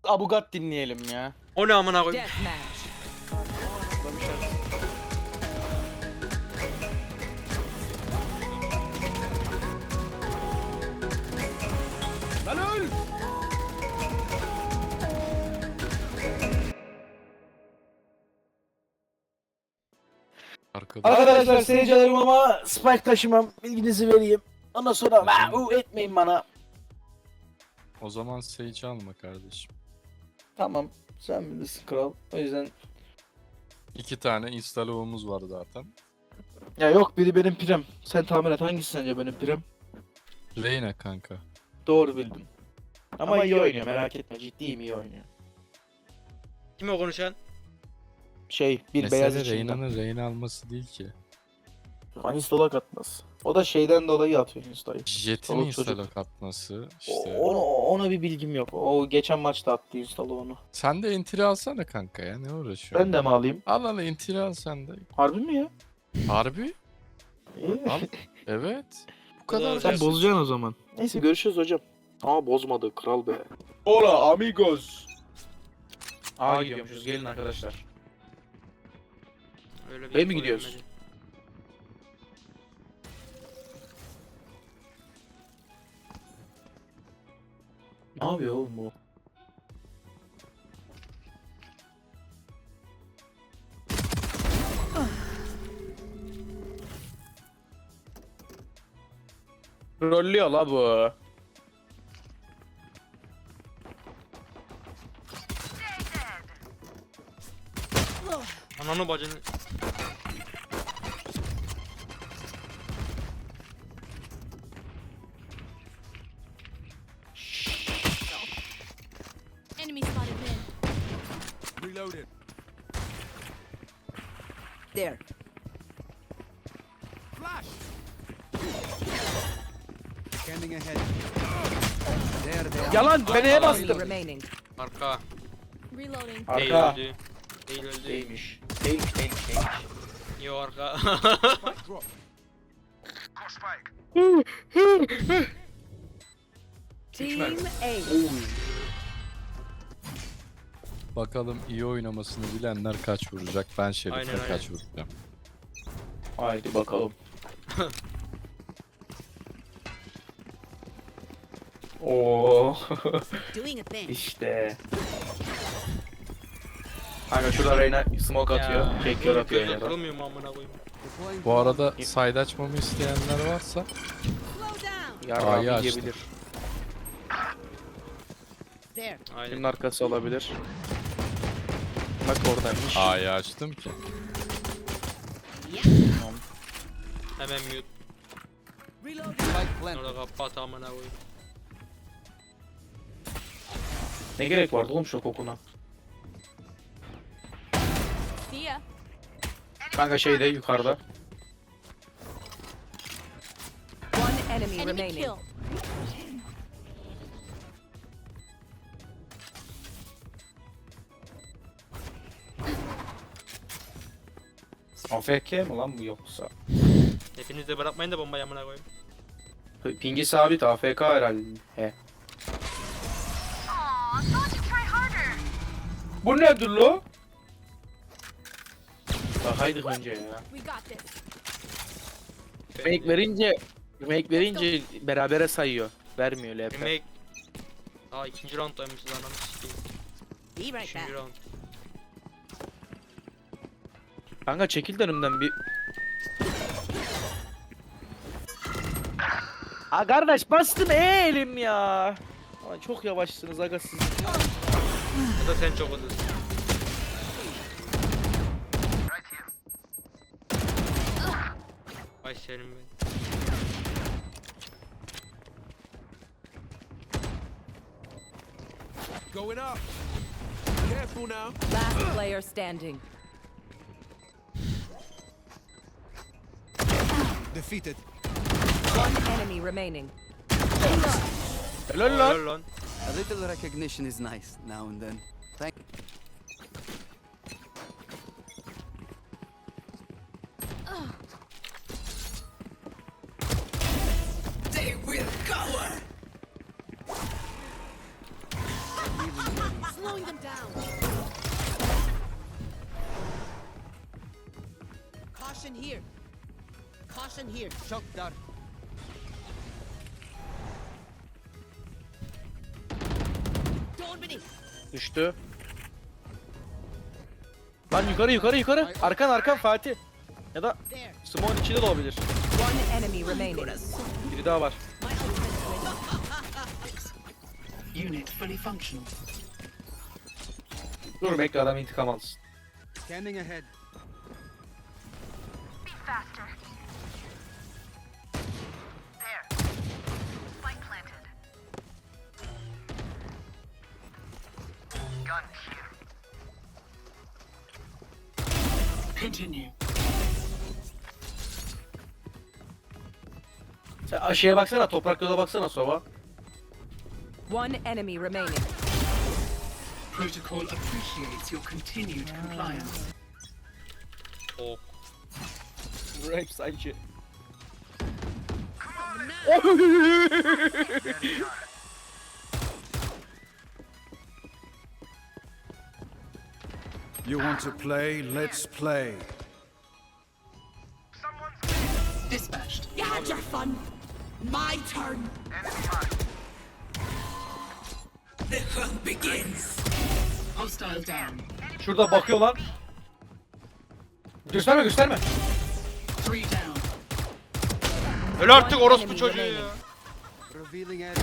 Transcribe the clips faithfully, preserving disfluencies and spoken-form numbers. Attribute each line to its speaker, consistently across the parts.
Speaker 1: Abugat dinleyelim ya.
Speaker 2: O ne amına koyayım?
Speaker 3: Deathmatch.
Speaker 1: Lan öl!
Speaker 4: Arkada.
Speaker 1: Arkadaşlar seyircilerim ama spike taşımam, bilginizi vereyim. Ondan sonra vau etmeyin bana.
Speaker 4: O zaman Sage alma kardeşim.
Speaker 1: Tamam, sen bilirsin kral. O yüzden
Speaker 4: İki tane installomuz var zaten.
Speaker 1: ya yok, biri benim pirem. Sen tahmin et, hangisi sence benim pirem?
Speaker 4: Reyna kanka.
Speaker 1: Doğru bildin. Ama, iyi oynuyor, merak etme, ciddiyim, iyi oynuyor.
Speaker 2: Kim o konuşan?
Speaker 1: Şey, bir beyaz
Speaker 4: Mesele
Speaker 1: içinden.
Speaker 4: Reyna'nın Reyna alması değil ki.
Speaker 1: Install'a katmaz. O da şeyden dolayı atıyor install'ı.
Speaker 4: Jet'in
Speaker 1: Çoluk çocuk.
Speaker 4: install'a katması
Speaker 1: O-
Speaker 4: işte.
Speaker 1: Onu, ona bir bilgim yok. O geçen maçta attı install'ı onu.
Speaker 4: Sen de entry alsana kanka ya, ne uğraşıyorsun?
Speaker 1: Ben de mi alayım?
Speaker 4: Al al entry al sen de.
Speaker 1: Harbi mi ya?
Speaker 4: Harbi?
Speaker 1: İyi.
Speaker 4: Al. Evet. Bu kadar
Speaker 1: Sen
Speaker 4: basit.
Speaker 1: bozacaksın o zaman. Neyse görüşürüz hocam. Aa bozmadı kral be. Hola amigos. Aa gidiyormuşuz, gelin arkadaşlar.
Speaker 2: Öyle
Speaker 1: Bey mi
Speaker 2: info
Speaker 1: gidiyoruz?
Speaker 2: vermedi.
Speaker 1: Ne yapıyor oğlum bu? Rollüyor la bu.
Speaker 2: Ananı bacını.
Speaker 5: Enemy spotted mid.
Speaker 6: Reloaded.
Speaker 3: There.
Speaker 6: Flash. Scanning ahead. There they are.
Speaker 1: Yalan, ben neye
Speaker 3: Enemy
Speaker 1: bastım?
Speaker 3: remaining.
Speaker 2: Arka.
Speaker 5: Reloading.
Speaker 2: Değil
Speaker 1: Arka.
Speaker 2: öldü. Değil öldü.
Speaker 1: Değilmiş. Değilmiş, değilmiş, değilmiş.
Speaker 2: Yo arka.
Speaker 6: Spike drop.
Speaker 3: Team A.
Speaker 4: Bakalım iyi oynamasını bilenler kaç vuracak, ben Şerif'e
Speaker 2: Aynen, aynen.
Speaker 4: kaç vuracağım.
Speaker 1: Haydi bakalım. Oo.
Speaker 5: Doing a thing.
Speaker 1: İşte. Kanka şurada Reyna smoke atıyor. Çekiyor atıyor
Speaker 2: Gözüm
Speaker 1: yine de.
Speaker 2: kırılmıyor mu amına koyayım?
Speaker 6: Deploying
Speaker 4: Bu arada side açmamı isteyenler varsa
Speaker 5: Slow down.
Speaker 1: Yarrağı
Speaker 4: A'yı açtım.
Speaker 1: yiyebilir.
Speaker 5: There.
Speaker 2: Aynen.
Speaker 1: Kimin arkası olabilir? Bak oradaymış.
Speaker 4: A'yı açtım ki.
Speaker 2: Hemen mute.
Speaker 6: spike planted.
Speaker 2: Orada kapat amına koyayım.
Speaker 1: Ne gerek vardı oğlum şu kokuna?
Speaker 5: See ya.
Speaker 1: Kanka şeyde yukarıda.
Speaker 3: One enemy
Speaker 5: Enemy
Speaker 3: remaining.
Speaker 5: kill.
Speaker 1: A F K mi lan bu yoksa?
Speaker 2: Hepiniz de bırakmayın da bombayı amına koyayım.
Speaker 1: Pingi sabit A F K herhalde. He. Bu nedir lo? Bakaydık önce ya.
Speaker 5: We got this.
Speaker 1: Remake verince remake verince berabere sayıyor. Vermiyor L P.
Speaker 2: Remake. Aa ikinci rounddaymışız ananı sikeyim.
Speaker 5: Be right back.
Speaker 2: Üçüncü round.
Speaker 1: Kanka çekil de önümden bir. Aa kardeş bastım elim ya. Ama çok yavaşsınız aga siz.
Speaker 2: Ya da sen çok hızlısın. Ay senin ben.
Speaker 6: Going up. Careful now.
Speaker 3: Last player standing.
Speaker 6: Defeated.
Speaker 3: One enemy remaining.
Speaker 1: Helal lan.
Speaker 2: Helal lan.
Speaker 6: A little recognition is nice now and then. Thank.
Speaker 5: Caution here. Caution here.
Speaker 6: Shock dart.
Speaker 5: Don't be.
Speaker 1: Düştü. Lan yukarı yukarı yukarı. Arkan arkan Fatih. Ya da
Speaker 5: There.
Speaker 1: Smoke'un içinde de olabilir.
Speaker 3: One enemy remaining.
Speaker 1: Biri daha var.
Speaker 5: My ultimate is ready.
Speaker 7: Unit fully functional.
Speaker 1: Dur bekle adam intikam alsın.
Speaker 6: Scanning ahead.
Speaker 7: Continue.
Speaker 1: Sen aşağıya baksana, topraklara baksana Sova.
Speaker 3: One enemy remaining.
Speaker 7: Protocol appreciates your continued compliance.
Speaker 2: Çok.
Speaker 1: Rape sanki.
Speaker 8: You want to play? Let's play.
Speaker 7: Dispatched.
Speaker 5: You had your fun. My turn.
Speaker 7: The hunt begins. Hostile down.
Speaker 1: Şurada bakıyor lan. Gösterme gösterme.
Speaker 7: Three down.
Speaker 2: Öl artık orospu çocuğu ya.
Speaker 6: Revealing area.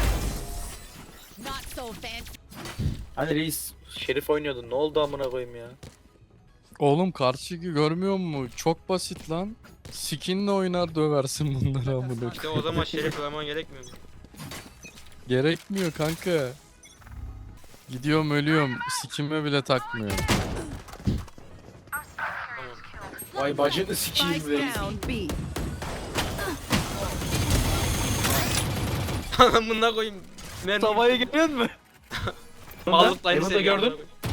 Speaker 5: Not so fancy.
Speaker 1: Hani reis Şerif oynuyordun, ne oldu amına koyayım ya.
Speaker 4: Oğlum karşıyı görmüyor musun? Çok basit lan. Skinle oynar döversin bunları amına.
Speaker 2: İşte o zaman şeref koyman gerekmiyor mu?
Speaker 4: Gerekmiyor kanka. Gidiyorum ölüyorum. Sikime bile takmıyorum.
Speaker 1: Vay bacını sikeyim
Speaker 3: Spike
Speaker 1: reis.
Speaker 3: down B.
Speaker 2: Amına koyayım. Mermi.
Speaker 1: Tavayı görüyor musun?
Speaker 2: Mallıkla aynı
Speaker 1: Yanında
Speaker 2: seviye,
Speaker 1: gördün.
Speaker 2: amına koyayım.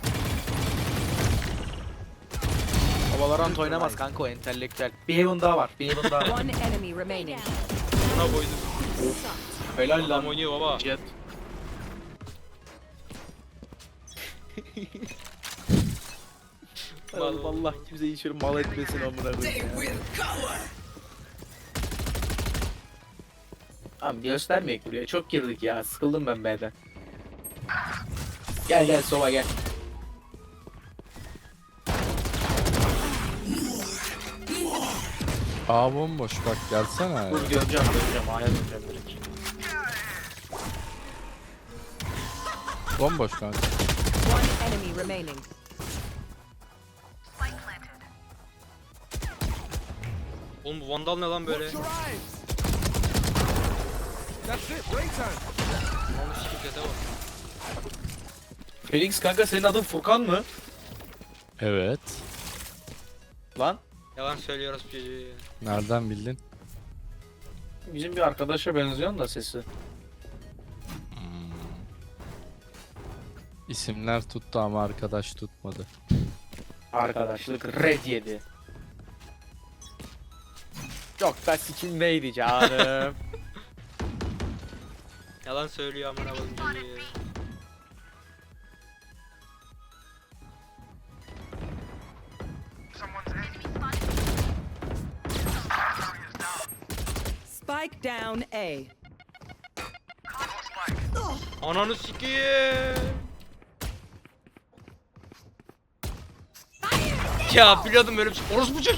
Speaker 1: Valorant oynamaz kanka o entelektüel. Bir Heaven daha var, bir Heaven daha var.
Speaker 3: One enemy remaining.
Speaker 2: Buna koydum.
Speaker 1: Helal
Speaker 2: Adam
Speaker 1: lan.
Speaker 2: oynuyor baba.
Speaker 1: Jet.
Speaker 2: Vallahi.
Speaker 1: Allah kimse hiç mal etmesin amına koyayım ya. Abi göstermeyek buraya. Çok girdik ya. Sıkıldım ben B'den. Gel gel Sova gel.
Speaker 4: Aa bomboş bak gelsene.
Speaker 1: Dur göreceğim göreceğim. Aya döneceğim direkt.
Speaker 4: Bomboş kanka.
Speaker 3: One enemy remaining.
Speaker 2: Oğlum bu vandal ne lan böyle?
Speaker 8: That's it, break time.
Speaker 2: Onu sikip zete bak.
Speaker 1: Felix kanka senin adın Furkan mı?
Speaker 4: Evet.
Speaker 1: Lan.
Speaker 2: Yalan söylüyoruz bu çocuğu ya.
Speaker 4: Nereden bildin?
Speaker 1: Bizim bir arkadaşa benziyorsun da sesi.
Speaker 4: İsimler tuttu ama arkadaş tutmadı.
Speaker 1: Arkadaşlık red yedi. Çok da sikim neydi canım.
Speaker 2: Yalan söylüyor amına koyayım çocuğu ya.
Speaker 3: Spike down A.
Speaker 2: Ananı sikeyim. Ya biliyordum böyle bir şey. Orospu çocuğu.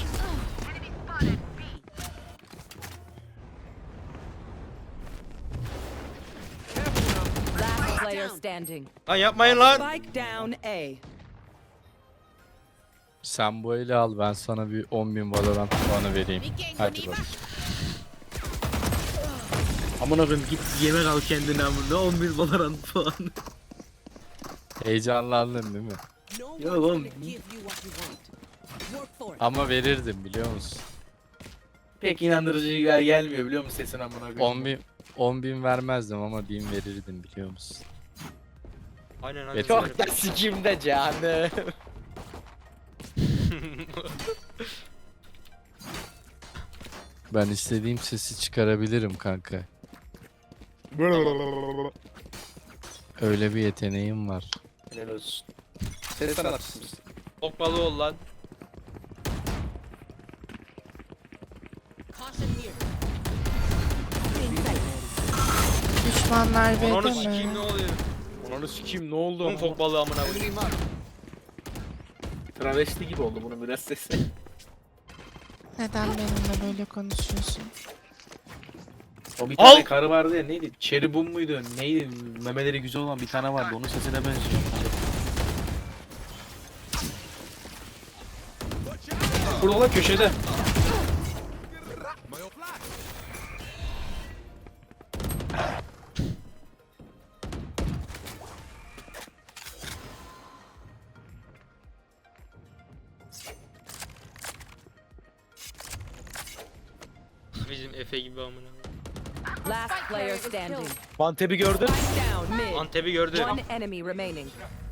Speaker 3: Last player standing.
Speaker 2: Lan yapmayın lan.
Speaker 3: Spike down A.
Speaker 4: Sen bu eli al ben sana bir on bin Valorant puanı vereyim. Hadi bak.
Speaker 1: Amına koyayım git yemek al kendine amına. on bir Valorant puan.
Speaker 4: Heyecanlandın değil mi?
Speaker 5: No
Speaker 1: Yo,
Speaker 5: one's
Speaker 1: oğlum.
Speaker 5: gonna give you what you want. Work for it.
Speaker 4: Ama verirdim biliyor musun?
Speaker 1: Pek inandırıcı gel gelmiyor biliyor musun sesin amına koyayım.
Speaker 4: on bin, on bin vermezdim ama bin verirdim biliyor musun?
Speaker 2: Aynen aynen.
Speaker 4: Yeter.
Speaker 1: Çok da sikimde canım.
Speaker 4: Ben istediğim sesi çıkarabilirim kanka. Öyle bir yeteneğim var.
Speaker 1: Helal olsun. Ses sanatçısı mısın?
Speaker 2: Bok balığı ol lan.
Speaker 9: Düşmanlar
Speaker 2: Ananı
Speaker 9: B'de
Speaker 2: sikeyim
Speaker 9: mi?
Speaker 2: ne oluyor?
Speaker 1: Ananı sikeyim ne oldu?
Speaker 2: Bunun fok balığı amına koyayım.
Speaker 6: Enemy mark.
Speaker 1: Travesti gibi oldu bunun biraz sesi.
Speaker 9: Neden benimle böyle konuşuyorsun?
Speaker 1: O bir
Speaker 2: Al!
Speaker 1: tane karı vardı ya neydi? Cherubim muydu? Neydi? Memeleri güzel olan bir tane vardı. Onun sesine benziyor. Burada lan köşede.
Speaker 2: Bizim Efe gibi amına koyayım.
Speaker 3: Last player standing.
Speaker 1: Mantep'i gördün.
Speaker 3: Spike down mid.
Speaker 2: Antep'i gördü.
Speaker 3: One enemy remaining.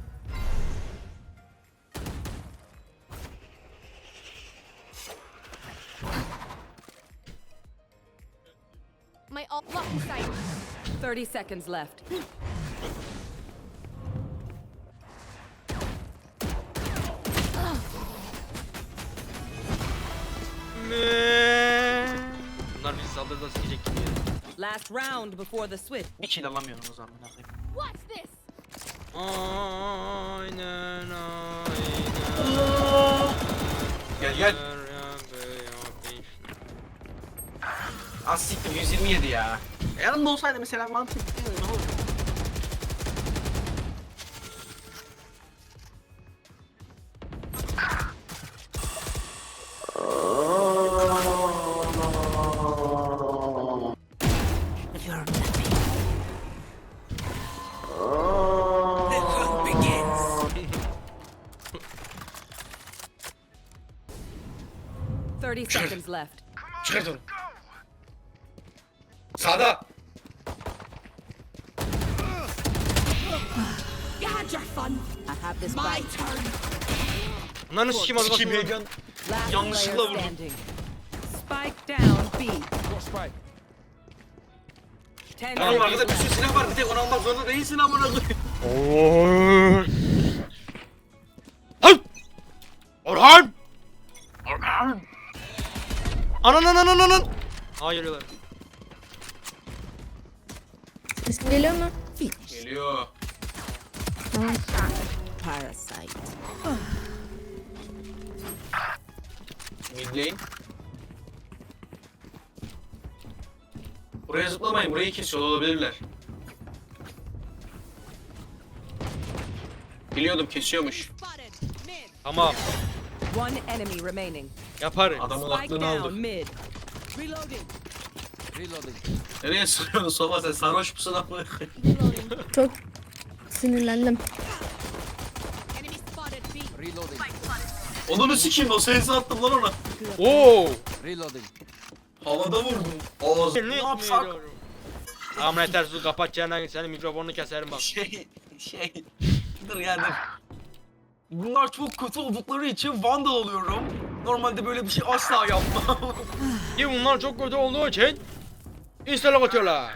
Speaker 5: My ult lock sight.
Speaker 3: Thirty seconds left.
Speaker 2: Bunlar bizi saldırıda sikecek gibi ya.
Speaker 3: Last round before the switch.
Speaker 1: Bir kill alamıyorum o zaman.
Speaker 5: What's this?
Speaker 2: Aynen aynen.
Speaker 1: Gel gel. Az siktir yüz yirmi yedi ya. Yanımda olsaydı mesela mantık. Ne olur?
Speaker 3: Thirty seconds left.
Speaker 1: Çıkartın. Sağda.
Speaker 5: You had your fun.
Speaker 3: I have this
Speaker 5: My
Speaker 3: fight.
Speaker 5: turn.
Speaker 2: Bunların sikim az
Speaker 1: Sikim
Speaker 2: basın.
Speaker 1: heyecan.
Speaker 3: Last
Speaker 1: Yanlışlıkla
Speaker 3: player
Speaker 1: vurdum.
Speaker 3: standing. Spike down B. Ten
Speaker 1: Tamam
Speaker 3: seconds
Speaker 1: arkada bir sürü
Speaker 3: left.
Speaker 1: silah var. Bir tek onu almak zorunda değilsin amına koyayım.
Speaker 2: Hay! Orhan! Orhan! Anan anan anan anan! Aa geliyorlar.
Speaker 9: Sesim geliyor mu?
Speaker 1: Geliyor.
Speaker 3: Parasite.
Speaker 1: Mid lane. Buraya zıplamayın. Burayı kesiyor olabilirler. Biliyordum kesiyormuş.
Speaker 5: Spotted. Mid.
Speaker 2: Tamam.
Speaker 3: One enemy remaining.
Speaker 2: Yaparım.
Speaker 1: Adamın
Speaker 3: Spike
Speaker 1: aklını
Speaker 3: down
Speaker 1: aldı.
Speaker 3: mid.
Speaker 5: Reloading.
Speaker 6: Reloading.
Speaker 1: Nereye sürüyorsun Sofa sen sarhoş musun amına koyayım?
Speaker 5: Reloading.
Speaker 9: Çok sinirlendim.
Speaker 5: Enemy spotted B.
Speaker 6: Reloading.
Speaker 1: Onu sikeyim o sensi attım lan ona.
Speaker 2: Oo!
Speaker 6: Reloading.
Speaker 1: Havada vurdum. Ağzı. Ne yapsak?
Speaker 2: Tamam yeter su kapat çeneni senin mikrofonunu keserim bak.
Speaker 1: Şey, şey. Dur ya dur. Bunlar çok kötü oldukları için Vandal oluyorum. Normalde böyle bir şey asla yapmam.
Speaker 2: Ki bunlar çok kötü olduğu için install'a atıyorlar.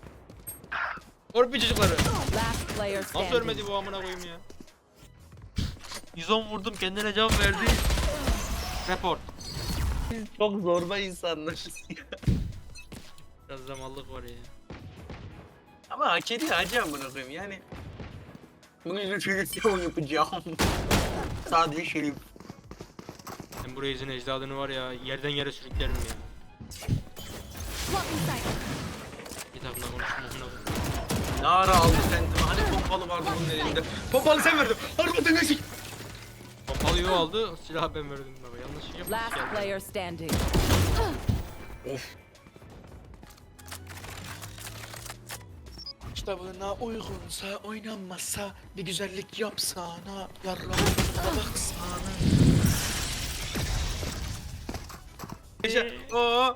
Speaker 2: Orpi çocukları.
Speaker 3: Last player
Speaker 2: Nasıl
Speaker 3: standing.
Speaker 2: ölmedi bu amına koyayım ya? yüz on vurdum kendine cevap verdi. Report.
Speaker 1: Çok zorba insanlar.
Speaker 2: Biraz zamanlık var ya.
Speaker 1: Ama hak ediyor hacı amına koyayım yani. Bunu yüzüne yapacağım. Sadece şerif.
Speaker 2: Ben buraya izin ecdadını var ya yerden yere sürüklerim ya.
Speaker 5: Lock sight.
Speaker 2: Bir takımda konuşma amına koyayım.
Speaker 1: Ne ara aldı sentimi? Hani pompalı vardı bunun elinde. Pompalı sen verdin. Harbi deneşik.
Speaker 2: Pompalı yo aldı silahı ben verdim baba yanlış şey yapmış
Speaker 3: Last
Speaker 2: geldi.
Speaker 3: player standing.
Speaker 1: Of. Kitabına uygunsa oynanmazsa bir güzellik yapsana yarrağına baksana. Gece o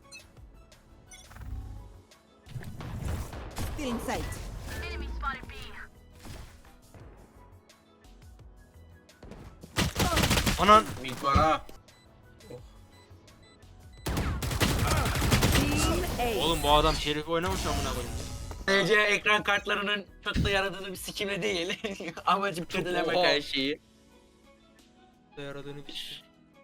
Speaker 3: Still in sight.
Speaker 2: Anan.
Speaker 1: mid var ha.
Speaker 3: Team A.
Speaker 2: Oğlum bu adam şerif oynamış amına koyayım.
Speaker 1: T C ekran kartlarının çok da yaradığını bir sikimle değil. Amacım kötülemek
Speaker 2: Oha.
Speaker 1: her şeyi.
Speaker 2: Da yaradığını bir.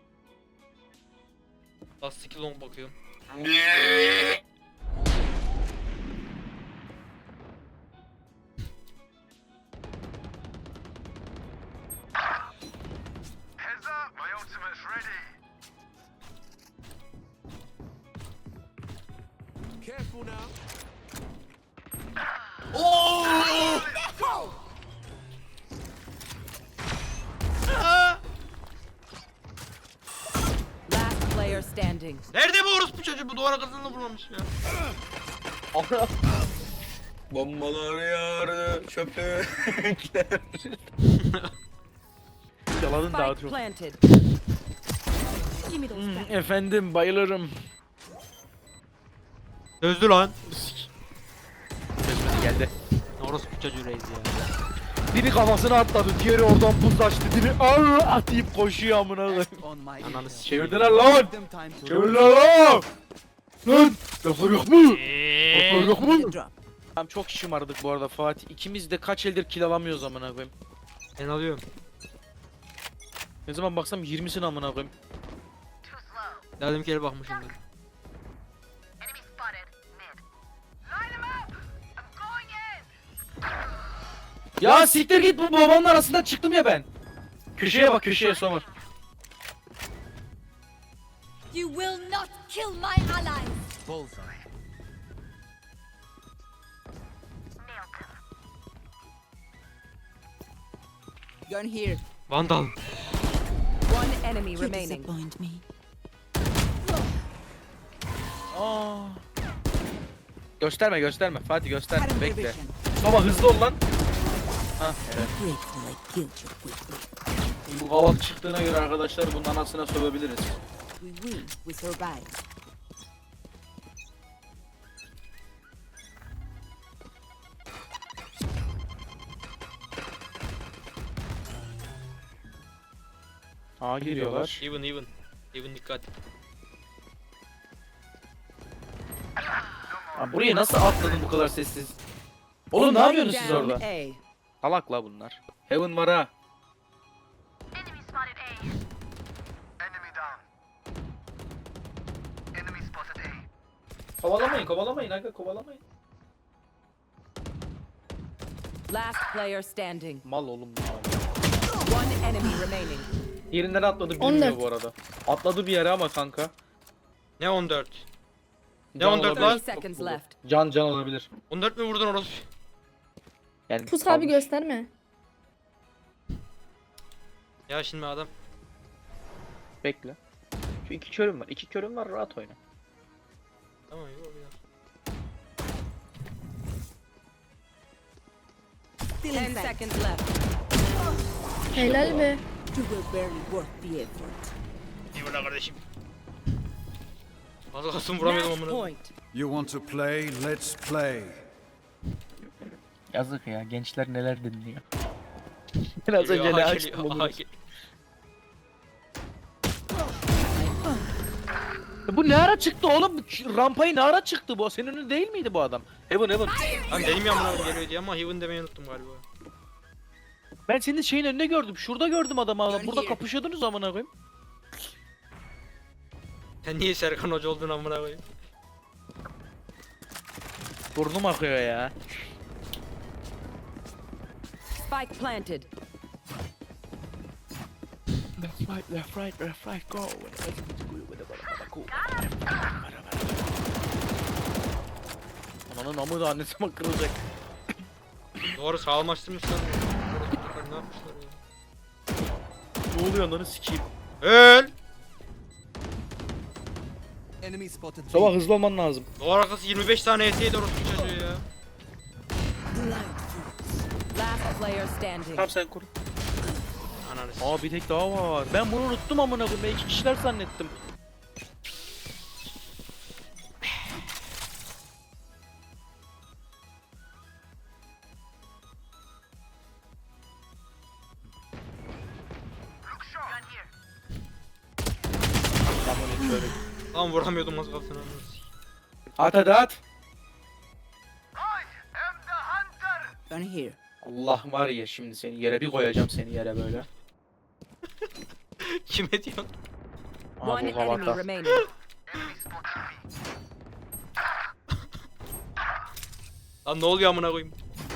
Speaker 2: Last skill on bakıyorum.
Speaker 3: Last player standing.
Speaker 2: Nerede bu orospu çocuğu? Bu duvar arkasında vurmamış ya.
Speaker 1: Bombalar yağardı çöpekler.
Speaker 2: Yaladın
Speaker 3: Spike planted.
Speaker 5: Give me those
Speaker 2: Hmm,
Speaker 5: back.
Speaker 2: efendim bayılırım. Sözlü lan. Sözlü geldi. Orospu çocuğu reis ya. Biri kafasına atladı, diğeri oradan buz açtı, biri arr atayıp koşuyor amına koyayım.
Speaker 6: On my
Speaker 2: Ananı
Speaker 6: ego.
Speaker 2: s- çevirdiler lan.
Speaker 6: Give them time to
Speaker 2: Çevirdiler lan. Lan. Laflar yok mu? Laflar yok mu?
Speaker 3: Drop.
Speaker 2: Tamam çok şımardık bu arada Fatih. İkimiz de kaç eldir kill alamıyoruz amına koyayım. Ben alıyorum. Ne zaman baksam yirmisini amına koyayım. Dedim ki bakmışımdır. Ya siktir git, bu babanın arasından çıktım ya ben. Köşeye bak, köşeye Somur.
Speaker 5: You will not kill my allies.
Speaker 6: bullseye. Gun here.
Speaker 2: Vandal.
Speaker 3: One enemy remaining.
Speaker 5: me.
Speaker 2: Aa. Gösterme gösterme Fatih, gösterme, bekle. Baba hızlı ol lan. Ha evet. Bu kaval çıktığına göre arkadaşlar bunun anasına sövebiliriz.
Speaker 3: We win. We survive.
Speaker 2: Aa giriyorlar. Even even. Even dikkat. Aa, buraya nasıl atladın bu kadar sessiz? Oğlum ne yapıyorsunuz siz
Speaker 3: Down
Speaker 2: orada?
Speaker 3: A.
Speaker 2: Salak la bunlar. Heaven var ha. Kovalamayın, kovalamayın aga, kovalamayın.
Speaker 3: Last player standing.
Speaker 2: Mal oğlum ya.
Speaker 3: One enemy remaining.
Speaker 2: Yerinden atladı bilmiyor
Speaker 9: on dört.
Speaker 2: bu arada. Atladı bir yere ama kanka. Ne on dört? Ne
Speaker 3: Can
Speaker 2: on dört lan?
Speaker 3: thirty seconds left.
Speaker 2: Can can olabilir. on dört mü vurdun orası? Yani
Speaker 9: Pus abi gösterme.
Speaker 2: Ya şimdi adam. Bekle. Şu iki körüm var. İki körüm var, rahat oyna. Tamam yok biraz.
Speaker 3: Ten seconds left.
Speaker 9: Helal be.
Speaker 3: You will barely worth the effort.
Speaker 2: İyi burada kardeşim. Az kalsın vuramıyordum
Speaker 3: Match
Speaker 2: amına.
Speaker 3: point.
Speaker 8: You want to play? Let's play.
Speaker 2: Yazık ya, gençler neler dinliyor. Biraz önce ne açtım onu. Bu ne ara çıktı oğlum? Şu rampayı ne ara çıktı bu? Senin önünde değil miydi bu adam? Heaven Heaven. Lan benim yanımdan geliyor diye ama Heaven demeyi unuttum galiba. Ben senin şeyin önünde gördüm. Şurada gördüm adamı adam. Burada kapışıyordunuz amına koyayım. Sen niye Serkan Hoca oldun amına koyayım? Burnum akıyor ya.
Speaker 3: Spike planted.
Speaker 2: Left right, left right, left right, go. Ananın amı da annesi mi kırılacak? Doğru sağlamlaştırmışlar. Ne yapmışlar ya? Ne oluyor ananı sikeyim? Öl!
Speaker 6: Enemy spotted. B.
Speaker 2: Sabah hızlı olman lazım. Duvar arkası yirmi beş tane E T'ydi orası çocuğu ya.
Speaker 3: Last player standing.
Speaker 2: Tamam sen koru. Ananı Aa bir tek daha var. Ben bunu unuttum amına koyayım. Ben iki kişiler zannettim. Lan vuramıyordum az kalsın. At hadi at.
Speaker 6: Gun here.
Speaker 2: Allah var ya şimdi seni yere bir koyacağım seni yere böyle. Kime diyorsun?
Speaker 3: One enemy remaining.
Speaker 2: Lan ne oluyor amına koyayım?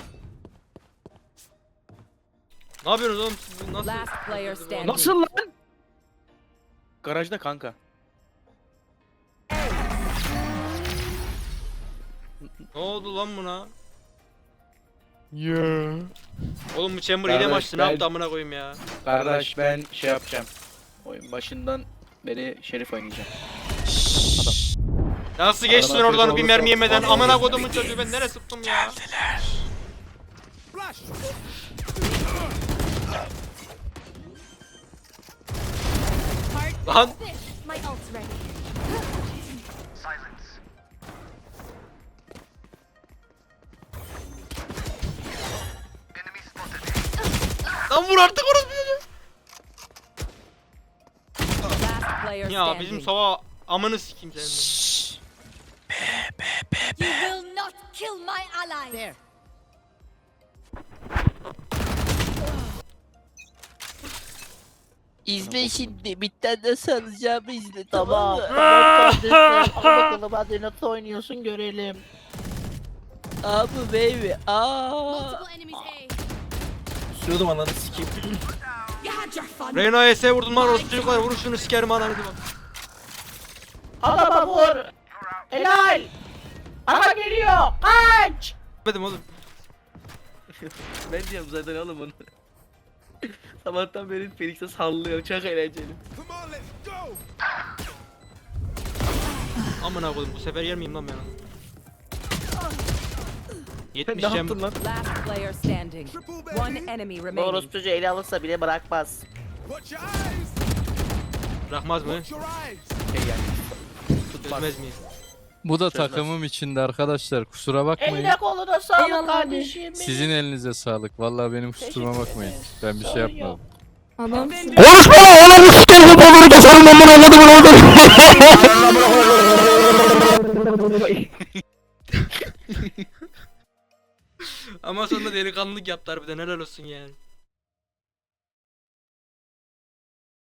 Speaker 2: Ne yapıyorsunuz oğlum siz? Nasıl?
Speaker 3: Last player standing.
Speaker 2: Nasıl lan? Garajda kanka. Ne oldu lan buna?
Speaker 4: Yeah.
Speaker 2: Oğlum bu chamber hile mi Kardeş, açtı? Ne ben- yaptı amına koyayım ya? Kardeş ben şey yapacağım. Oyun başından beri Şerif oynayacağım. Nasıl geçtin
Speaker 4: Adama
Speaker 2: oradan
Speaker 4: kötü
Speaker 2: bir
Speaker 4: olursa-
Speaker 2: mermi yemeden? Amına kodumun çocuğu ben nereye sıktım ya? Lan
Speaker 5: My ult's ready.
Speaker 2: lan vur artık orası çocuğu.
Speaker 3: Last player
Speaker 2: Ya
Speaker 3: standing.
Speaker 2: bizim sava amını sikeyim senin.
Speaker 5: You will not kill my allies.
Speaker 3: There.
Speaker 10: İzle şimdi. Bitten nasıl alacağımı izle. Tamam. Tamam kardeşim. Al bakalım hadi nasıl oynuyorsun görelim. Abi baby. Aa.
Speaker 5: Multiple enemies A.
Speaker 2: Sürüyordum ananı sikeyim.
Speaker 5: You had your fun.
Speaker 2: Reyna'ya S vurdum lan orası çocuklar vurun şunu sikerim ananı diyorum.
Speaker 10: Adama vur. Helal. Aha geliyor. Kaç.
Speaker 2: Demedim oğlum. Ben diyorum zaten oğlum onu. Sabahtan beri Felix'e sallıyor çok eğlenceli. Amına koydum bu sefer yer miyim lan ben onu? yetmiş Ne cem. yaptın lan?
Speaker 3: Last player standing. One enemy remaining.
Speaker 10: Orospu çocuğu ele alırsa bile bırakmaz.
Speaker 2: Bırakmaz mı? Şey yani. Çözmez miyiz?
Speaker 4: Bu da takımım içinde arkadaşlar. Kusura bakmayın.
Speaker 10: Eline koluna sağlık
Speaker 9: Eyvallah abi.
Speaker 10: kardeşim. benim.
Speaker 4: Sizin elinize sağlık. Vallahi benim kusuruma bakmayın. Ben bir şey
Speaker 10: Sorun yok.
Speaker 4: yapmadım.
Speaker 9: Adamsın.
Speaker 2: Ama sonunda delikanlılık yaptı harbiden helal olsun yani.